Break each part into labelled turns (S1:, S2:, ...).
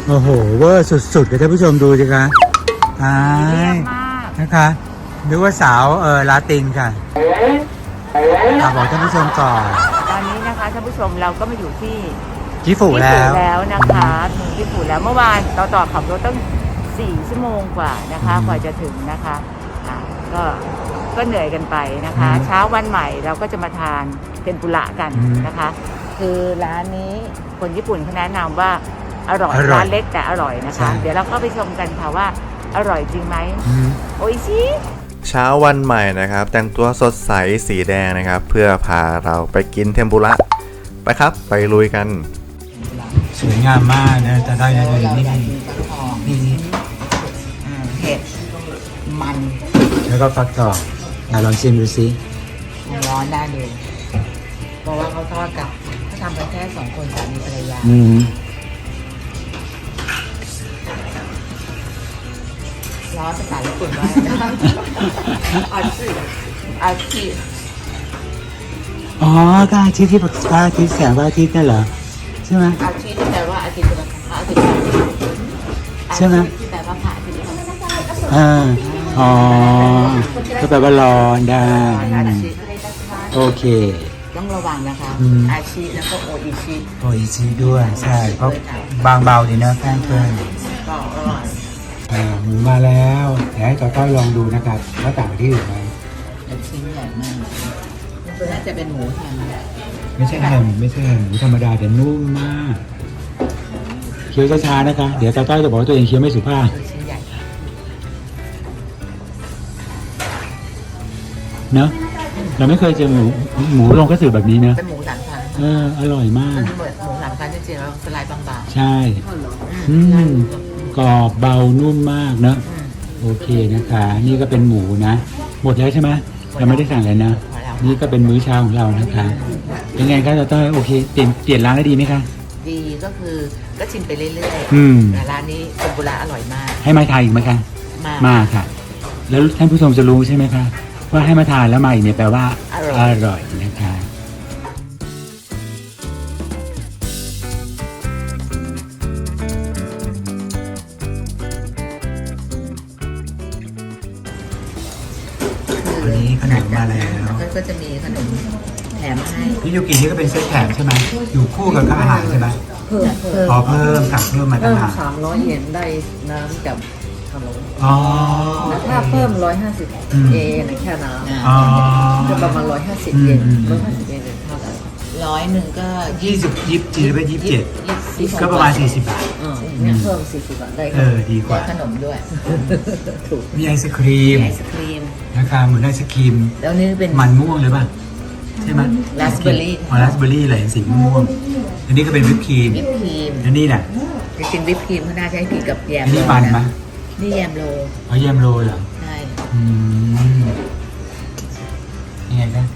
S1: โอ้โหเวอร์สุดๆเลยท่านผู้ชมดูสิคะตายนะคะนึกว่าสาวลาตินค่ะบอกท่านผู้ชมก่อน
S2: ตอนนี้นะคะท่านผู้ชมเราก็มาอยู่ที่
S1: จิฟู
S2: แล้วนะคะถึงจิฟูแล้วเมื่อวานต่อขับรถตั้ง4 ชั่วโมงกว่านะคะกว่าจะถึงนะคะก็เหนื่อยกันไปนะคะเช้าวันใหม่เราก็จะมาทานเทมปุระกันนะคะคือร้านนี้คนญี่ปุ่นเขาแนะนำว่าอร่อยร้านเล็กแต่อร่อยนะคะเดี๋ยวเราก็ไปชมกันค่ะว่าอร่อยจริงไหมโอ้ยชิ
S3: เช้าวันใหม่นะครับแต่งตัวสดใสสีแดงนะครับเพื่อพาเราไปกินเทมปุระไปครับไปลุยกัน
S1: สวยงามมากนะจะได้นะเลยนี่
S2: เห็ดมัน
S1: แล้วก็ฟักทองลองชิมดูสิ
S2: ร้อนได้เลยเพราะว่าเขาทอดกับเขาทำกันแค่2 คนสามีภรรยาร้อนภาษาญี่ปุ่นว่าอาชีพ
S1: อ๋อก็อาทิตย์ที่พระอาทิตย์แสงพระอาทิตย์นั่นเหรอใช่ไหม
S2: อาทิตย์ที่แปลว่าอาทิตย์เป็นพระอาทิตย์
S1: ใช่ไหม
S2: ที่แปลว่าพระอาทิตย์
S1: อ๋อก็แปลว่าร้อนได้โอเค
S2: ต้องระวังนะคะอาชิแล้วก็โออิ
S1: ชิด้วยใช่เพราะบางเบาดีนะแป้งเปิ้ล
S2: ก็อร่อย
S1: หมูมาแล้วเดี๋ยวให้ต้อยลองดูนะครับว่าต่างที่อื่นไหม
S2: ชิ้นใหญ่มากตัวนี้จะเป็นหมูแฮม
S1: ไม่ใช่แฮมหมูธรรมดาแต่นุ่มมากเคี้ยวช้าๆนะคะเดี๋ยวต้อยจะบอกว่าตัวเองเคี้ยวไม่สุภาพเนอะเราไม่เคยเจอหมูลงกระสือแบบนี้เนอะ
S2: เป็นหมูสามชั้น
S1: อร่อยมาก
S2: เหมือนหมูสามชั้นจริงๆแล้วสไลด์บาง
S1: ๆใช่กรอบเบานุ่มมากเนอะโอเคนะคะนี่ก็เป็นหมูนะหมดแล้วใช่ไหมเราไม่ได้สั่งเลยนะนี่ก็เป็นมื้อเช้าของเรานะคะเป็นไงครับต้อยโอเคเปลี่ยนร้านได้ดีไหมคะ
S2: ดีก็คือก็ชิมไปเรื่อยๆแต่ร้านนี้เทมปุระอร่อยมาก
S1: ให้มาทานอีกไหมคะมาค่ะแล้วท่านผู้ชมจะรู้ใช่ไหมคะว่าให้มาทานแล้วมาอีกเนี่ยแปลว่าอร่อยนะคะวันนี้ขนมมาแล้ว
S2: ก็จะมีขนมแถมให้
S1: พี่ยูกินี่ก็เป็นเซตแถมใช่ไหมอยู่คู่กับอาหารใช่ไหม
S2: เพิ่ม
S1: สั่งเพิ่มมาต่างหาก
S2: 300 เยนได้น้ำกับขนม
S1: แล้ว
S2: ถ้าเพิ่ม150 เยนแค่น้ำจะประมาณ150 เยน150 เยนเท่าไหร่100ก็
S1: 27ก็ประมาณ40 บาท
S2: เนี่ยเพิ่ม40 บาทได้
S1: ดีกว่า
S2: ขนมด้วย
S1: ถูกมีไอศครีมนะคะเหมือนไอศครีม
S2: แล้วนี่เป็น
S1: มันม่วงเลยป่ะใช่ไหม
S2: ราสเบอร์รี่
S1: ราสเบอร์รี่อะไรสีม่วงอันนี้ก็เป็นวิปครีมอันนี้น่ะ
S2: จริงๆวิปครีมเขาน่าจะให้กินกับแยม
S1: โรนี่มันไหม
S2: นี่แยมโร
S1: แยมโรเหรอ
S2: ใช่
S1: ยังไงนะ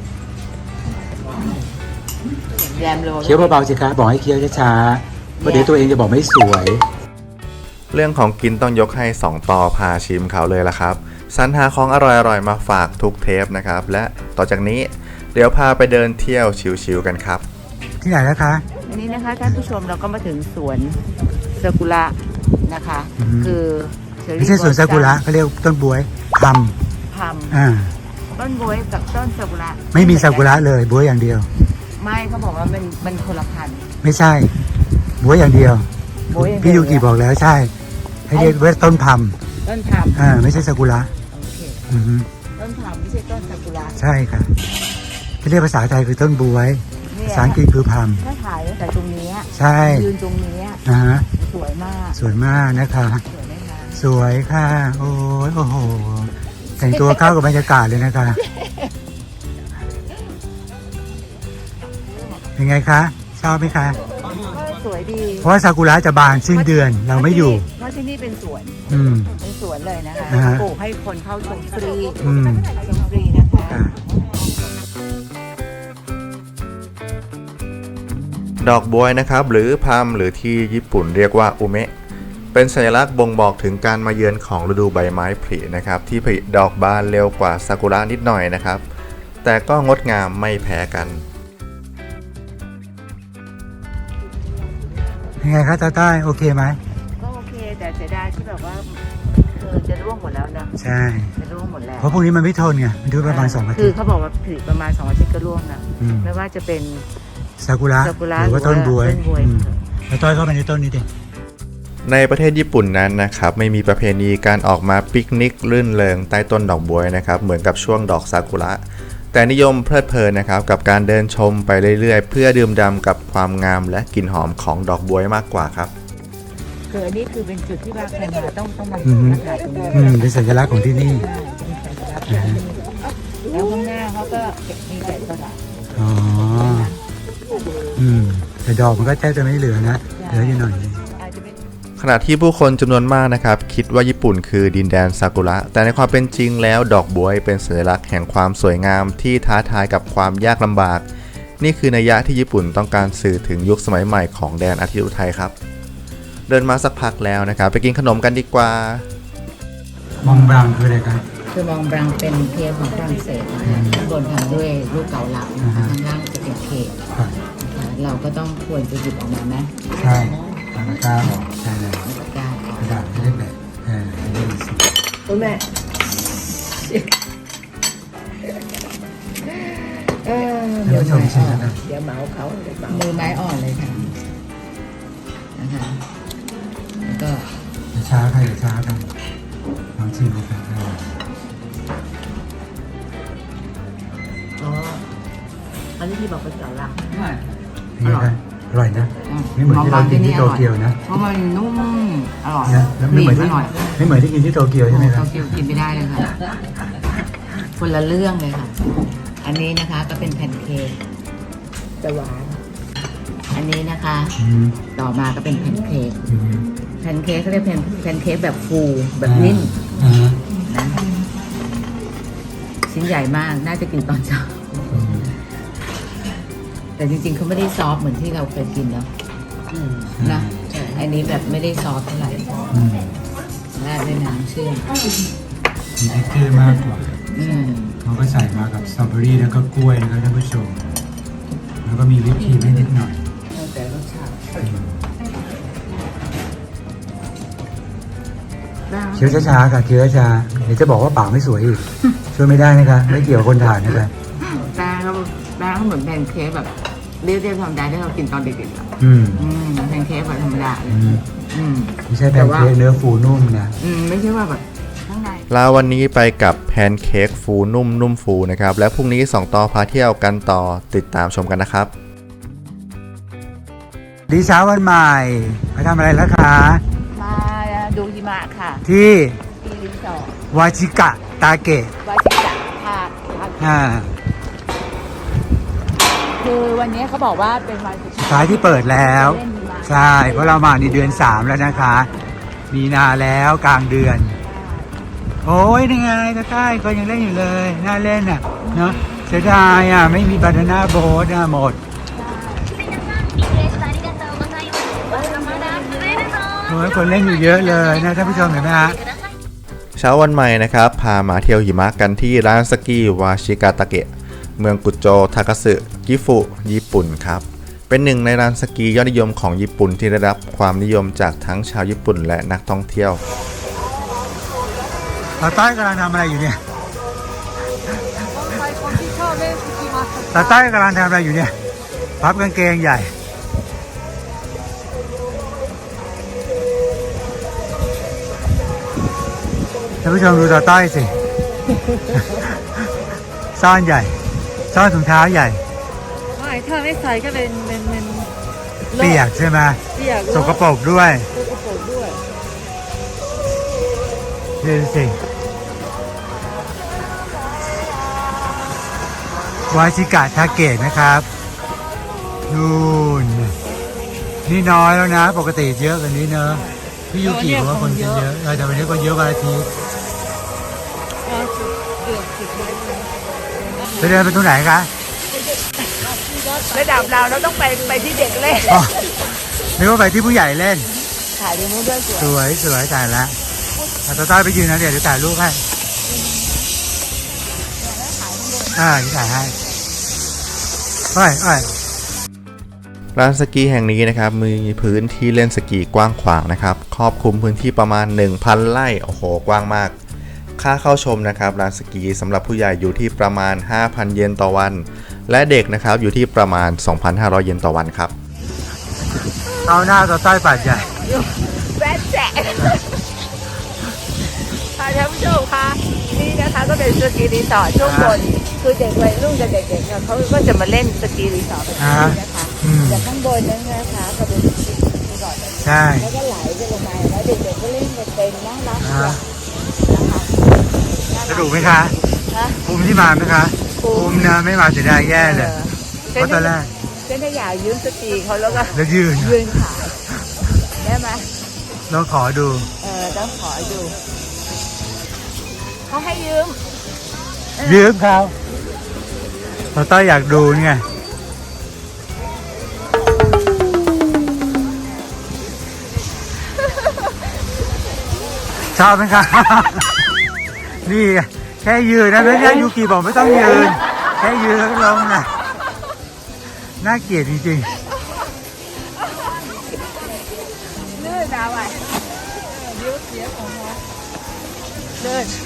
S2: แยมโร
S1: เคี้ยวเบาๆสิคะบอกให้เคี้ยวช้าๆเพราะเดี๋ยวตัวเองจะบอกไม่สวย
S3: เรื่องของกินต้องยกให้2ต่อพาชิมเขาเลยละครับสรรหาของอร่อยๆมาฝากทุกเทปนะครับและต่อจากนี้เดี๋ยวพาไปเดินเที่ยวชิวๆกันครับ
S1: ที่ไหนนะคะ
S2: อันนี้นะคะท่านผู้ชมเราก็มาถึงสวนซากุระนะคะคือ
S1: ไม่ใช่สวนซากุระเขาเรียกต้นบ๊วยพัม
S2: ต้นบ๊วยกับต้นซากุระ
S1: ไม่มีซากุระเลยบ๊วยอย่างเดียว
S2: ไม่เขาบอกว่ามันคนละพันธุ์
S1: ไม่ใช่บ๊วยอย่างเดียวพี่ยูกิบอกแล้วใช่ให้เรียกว่าต้นพัมไม่ใช่ซากุระ
S2: โอเคต้นพัมไม่ใช่ต้นซากุระ
S1: ใช่ค่ะที่เรียกภาษาไทยคือต้นบ๊วยภาษาอังกฤษคือพัม
S2: ถ้าถ่ายแต่ตรงนี้
S1: ใช่
S2: ยืนตรงนี้สวย
S1: มากนะคะสวยค่ะโอ้โหแต่งตัวเข้ากับบรรยากาศเลยนะคะเป็นไงคะชอบไหมคะ
S2: สวยดี
S1: เพราะว่าซากุระจะบานสิ้นเดือนเราไม่อยู่
S2: เพราะที่นี่เป็นสวนเป็นสวนเลยนะคะปลูกให้คนเข้าชมฟรีนะคะ
S3: ดอกบ๊วยนะครับหรือพัมหรือที่ญี่ปุ่นเรียกว่าอุเมะเป็นสัญลักษณ์บ่งบอกถึงการมาเยือนของฤดูใบไม้ผลินะครับที่ผลิดอกบานเร็วกว่าซากุระนิดหน่อยนะครับแต่ก็งดงามไม่แพ้กัน
S1: ยังไงคะตาใต้โอเคไหม
S2: แบบว่าคือจะร่วงหมดแล้วนะ
S1: ใช่
S2: จะร่วงหมดแล้ว
S1: เพราะพวกนี้มันไม่ทนไงมันดูประมาณ2 อา
S2: คื
S1: ทิ
S2: อ
S1: ตย์
S2: เขาบอกว่าผลิประมาณ2 อาทิตย์ก็ร่วงนะ
S1: อืม
S2: ไม่ว่าจะเป็น
S1: ซากุระ
S2: ซากุระ
S1: หรือว่าต้นบวย
S2: ต้นบวย
S1: อืมแล้วต้อยเข้าไปในต้นนี้ดิ
S3: ในประเทศญี่ปุ่นนั้นนะครับไม่มีประเพณีการออกมาปิกนิกรื่นเริงใต้ต้นดอกบ๊วยนะครับเหมือนกับช่วงดอกซากุระแต่นิยมเพลิดเพลินนะครับกับการเดินชมไปเรื่อยๆ เพื่อดื่มด่ำกับความงามและกลิ่นหอมของดอกบ๊วยมากกว่าครับ
S2: คืออันนี้คือเป็นจุดที่ว่าใครมาต้องมา
S1: อืม
S2: มาถ่ายตรงนี้
S1: เป็นสัญลักษณ์ของที่นี่
S2: แล้วข้างหน้าเขาก็มีแต่กระดาษ
S1: อ๋อแต่ดอกมันก็แทบจะไม่เหลือนะเหลืออยู่หน่อยนึง
S2: อาจจะเป็น
S3: ขณะที่ผู้คนจำนวนมากนะครับคิดว่าญี่ปุ่นคือดินแดนซากุระแต่ในความเป็นจริงแล้วดอกบ๊วยเป็นสัญลักษณ์แห่งความสวยงามที่ท้าทายกับความยากลำบากนี่คือนัยยะที่ญี่ปุ่นต้องการสื่อถึงยุคสมัยใหม่ของแดนอาทิตย์อุทัยครับเดินมาสักพักแล้วนะครับไปกินขนมกันดีกว่า
S1: มองบราวน์คืออะไรครับ
S2: คือมองบรังเป็นเค้กของฝรั่งเศสนะคะข้างบนทำด้วยลูกเกาลัดนะคะข้างล่างจะเป็นเค้กนะคะเราก็ต้องควรจะหยิบออกมาไหม
S1: ใช่ตะกร้าออกใช่เลย
S2: ตะกร้าออก
S1: กระดาษไม่ได้แบบไม่ได้สิ
S2: คุณแม่
S1: ท่านผู้ชมชิมนะครับ
S2: เดี๋ยวเมาเขามือไม้อ่อนเลยค่ะนะคะแล้วก็
S1: อย่าช้าค่ะอย่าช้ากันลองชิมดูครับ
S2: อ๋ออันนี้ที่บอกเป็นเกาลัด
S1: นี่ครับอร่อยนะไม่เหมือนที่เรากินที่โตเกียวนะ
S2: เพราะมันนุ่มอร่อย
S1: นะแล้วไม่เหมือนที่
S2: อร่อย
S1: ไม่เหมือนที่กินที่โตเกียวใช่ไหมครับ
S2: โตเกียวกินไม่ได้เลยค่ะ คนละเรื่องเลยค่ะ อันนี้นะคะก็เป็นแผ่นเค้กจะหวาน อันนี้นะคะ ต่อมาก็เป็นแผ่นเค้ก แผ่นเค้กเขาเรียกแผ่นเค้กแบบฟูแบบนิ่มนะชิ้นใหญ่มาก น่าจะกินตอนเช้า แต่จริงๆเขาไม่ได้ซอฟต์เหมือนที่เราเคยกินเนาะนะอันนี้แบบไม่ได้ซอฟต์เท่าไหร่ราดด้วยน้ำเชื่อม
S1: มีเท็กเจอร์มากกว่า
S2: อืม
S1: เขาก็ใส่มากับสตรอเบอรี่แล้วก็กล้วยนะครับท่านผู้ชมแล้วก็มีวิปครีมให้นิดหน่อย
S2: แต่รสชาติ
S1: เคี้ยวช้าๆค่ะเคี้ยวช้าๆเดี๋ยวจะบอกว่าปากไม่สวยอีกช่วยไม่ได้นะคะไม่เกี่ยวกับคนถ่ายนะคะ
S2: แป้งก็เหมือนแพนเค้กแบบเรียบๆธรรมดาที่เรากินตอนเด็กๆอ่ะ แพนเค้กแบบธรรมดาเลย
S1: ไม่ใช่แพนเค้กเนื้อฟูนุ่มนะ
S2: ไม่ใช่ว่าแบบข้างใน
S3: ลาวันนี้ไปกับแพนเค้กฟูนุ่มฟูนะครับและพรุ่งนี้2ต่อพาเที่ยวกันต่อติดตามชมกันนะครับ
S1: ดีเช้าวันใหม่มาทำอะไรแล้วคะ
S2: มาดูหิมะค่ะ
S1: ที่
S2: ที่รีสอร์ท
S1: วาจิกะตาเกะ
S2: วาชิกะภาค คือวันนี้เขาบอกว่าเป็นวันสุด
S1: ท้ายที่เปิดแล้วใช่เพราะเรามาในเดือน3แล้วนะคะ มีนาแล้วกลางเดือน โอ้ยยังไงตาใต้ก็ยังเล่นอยู่เลยน่าเล่นอ่ะเนาะเสียดายอ่ะไม่มีบานาน่าโบ๊ทหมดโอ้ยคนเล่นอยู่เยอะเลยนะท่านผู้ชมเห็นไหมฮะ
S3: เช้าวันใหม่นะครับพามาเที่ยวหิมะกันที่ร้านสกีวาชิกาตะเกะเมืองกุโจทาคัสึกิฟุญี่ปุ่นครับเป็นหนึ่งในร้านสกียอดนิยมของญี่ปุ่นที่ได้รับความนิยมจากทั้งชาวญี่ปุ่นและนักท่องเที่ยว
S1: ตาใต้กำลังทำอะไรอยู่เนี่ยตาใต้กำลังทำอะไรอยู่เนี่ยพับกางเกงใหญ่ท่านผู้ชมดูตาใต้สิ ซ่อนใหญ่ซ่อนถุงเท้าใหญ่
S2: ไม่ถ้าไม่ใส่ก็เป็น
S1: เปียกใช่ไหม
S2: เปียก
S1: สกปรกด้วย
S2: สกปรกด้วย
S1: ดูสิวาชิกะทาเกะนะครับนู่นนี่น้อยแล้วนะปกติเยอะกว่านี้เนอะพี่ยูกิบอกว่าคนจะเยอะแต่วันนี้คนเยอะวันอาทิตย์ไปเดินไปตรงไหนคะ
S2: ระดับเราต้องไปที่เด็กเล่น
S1: อ๋อนึกว่าไปที่ผู้ใหญ่เล่น
S2: ถ่ายดูนู้นด้วยสวย
S1: สวยถ่ายแล้วตาต้อยไปยืนนะเดี๋ยวถ่ายรูปให้ที่ถ่ายให้ไป
S3: ร้านสกีแห่งนี้นะครับมีพื้นที่เล่นสกีกว้างขวางนะครับครอบคลุมพื้นที่ประมาณ 1,000 ไร่โอ้โหกว้างมากค่าเข้าชมนะครับร้านสกีสำหรับผู้ใหญ่อยู่ที่ประมาณ 5,000 เยนต่อวันและเด็กนะครับอยู่ที่ประมาณ 2,500 เยนต่อวันครับ
S1: เอาหน้าต่อใต้ป่าใหญ่
S2: แบ๊ะแจ๊ะค่ะท่านผู้ชมคะนี่นะคะก็เป็นสกีรีสอร์ทช่วงบนคือเด็กวัยรุ่นกับเด็กๆเนี่ยเขาก็จะมาเล่นสกีรีสอร์ทแบบนี้นะคะแต่ข้างบนนั้นนะคะก็เป็นสกีรีสอร์ทแบบนี้แล้วก็ไหลไปลงมาแล้วเด็กๆก็เล่นกันเป็นน่ารักนะคะ
S1: สนุกไหมคะภูมิที่มาไหมคะภูมินะไม่มาเสียดายแย่เลยเพราะตอนแรก
S2: เส้นอยากยืมสกีเขาแล้วก็
S1: ยืน
S2: ขายได้ไหม
S1: ลองขอดู
S2: ต้องขอดูเขาให้ยืม
S1: เขาเราต้อยอยากดูไงชอบไหมคะนี่แค่ยืนนะแล้วเนี่ยยูกิบอกไม่ต้องยืนแค่ยืนแล้วก็ลงนะน่าเกลียดจริงๆ
S2: ลื่นเอาไว้ยืดเสียของเขาลื่น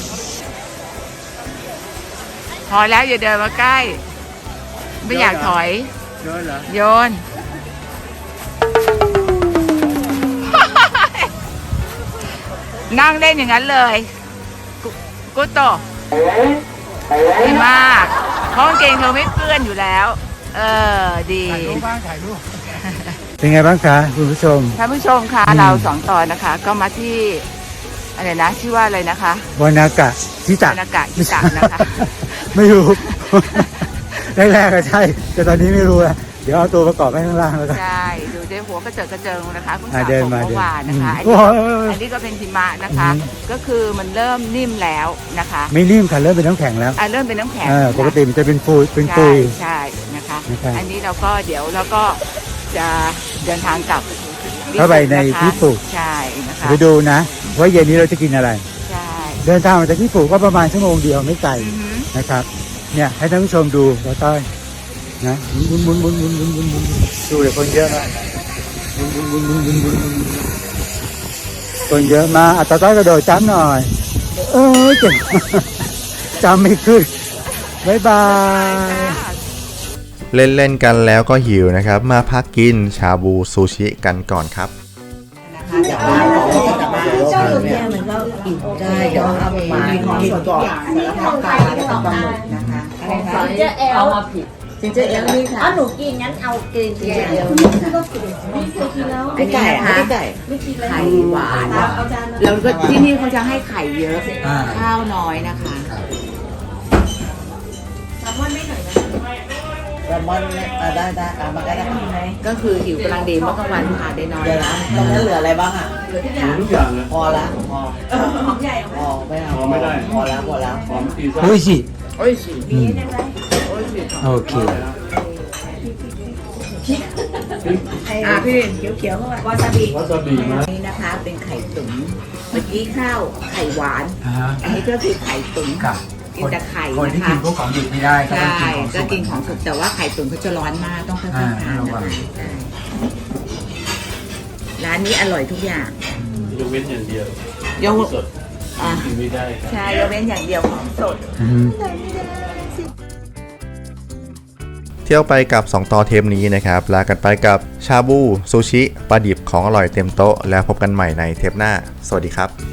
S2: พอแล้วอย่าเดินมาใกล้ไม่อยากถอย
S1: โยนเหรอ
S2: โยนนั่งเล่นอย่างนั้นเลยกุโตดีมากเพราะกางเกงเธอไม่เปื้อนอยู่แล้วดี
S1: ถ่ายรูปบ้างถ่ายรูปเป็นไงบ้างคะคุณผู้ชม
S2: ท่านผู้ชมคะเรา2 ตอนนะคะก็มาที่อะไรนะชื่อว่าอะไรนะคะ
S1: วานากะชิตะ
S2: นะคะ
S1: ไม่รู้แรกๆก็ใช่แต่ตอนนี้ไม่รู้แล้วเดี๋ยวเอาตัวประกอบไว้ข้างล่างแล้วกัน
S2: ใช่ดูเจ๊หัวกระเจิงนะคะคุณสาวผมเมื่อวานนะคะอันนี้ก็เป็นหิมะนะคะก็คือมันเริ่มนิ่มแล้วนะคะ
S1: ไม่นิ่มค่ะเริ่มเป็นน้ำแข็งแล้ว
S2: เริ่มเป็นน้ำแข็ง
S1: ปกติมันจะเป็นปุย
S2: ใช่นะคะอันนี้เราก็เดี๋ยวเราก็จะเดินทางกลับ
S1: เข้าไปในที่ปลูก
S2: ใช่นะคะ
S1: ไปดูนะว่าเย็นนี้เราจะกินอะไร
S2: ใช่
S1: เดินทางมาจากที่ปลูกก็ประมาณชั่วโมงเดียวไม่ไกลนะครับเนี่ยให้ท่านผู้ชมดูเราต้อยนะมุนดูเลยคนเยอะมากคนเยอะมาอัตต้อยกระโดดจ้ำหน่อยเก่งจำไม่ขึ้นบ๊ายบาย
S3: เล่นกันแล้วก็หิวนะครับมาพักกินชาบูซูชิกันก่อนครับ
S4: จากบ้านของจากบ้านเนี่ยมันก็อิ่มได้เดี๋ยวเอามากินก่อนแล้วทำปลาแล้วก็ปลาหมึกนะคะ
S2: เอามาผิด
S4: จินเจอร์เอลนี่ค่ะ
S2: หนูกินงั้นเอากินจินเจอร์เอล
S4: ไม่ไก่ไม่ไก่
S2: ไข่หวานแล้วก็ที่นี่เขาจะให้ไข่เยอะข้าวน้อยนะคะ
S4: แซลมอนไม่หน่อยนะแซลมอนได้มาได้
S2: ก็คือหิวกำลังดีเมื่อกลางวันทานได้น้อย
S4: นะตรงนั้นเหลืออะไรบ้างอ่ะ
S5: เหลือทุกอย่างเลย
S4: พอละ
S2: หอมใหญ่
S4: พอไม่ได้พอแล้ว
S5: หอมตีซ่า
S1: โอ้ยสิโอเค
S2: พี่เขียวๆวาซาบินี่นะคะเป็นไข่ตุ๋นเมื่อกี้ข้าวไข่หวานอันนี้ก็คือไข่ตุ๋นกินแต่ไข่
S1: คนที่กินพวกของดิบไม่ได้
S2: ใช่ก็กินของสุกแต่ว่าไข่ตุ๋นเขาจะร้อนมากต้องค่อยๆทานนะคะร้านนี้อร่อยทุกอย่าง
S5: ยกเว้นอย่างเดียวย
S2: ก
S5: สดกินไม่ได้
S2: ใช่ยกเว้นอย่างเดียวของสด
S3: เที่ยวไปกับ2ต่อเทปนี้นะครับลากันไปกับชาบูซูชิปลาดิบของอร่อยเต็มโต๊ะแล้วพบกันใหม่ในเทปหน้าสวัสดีครับ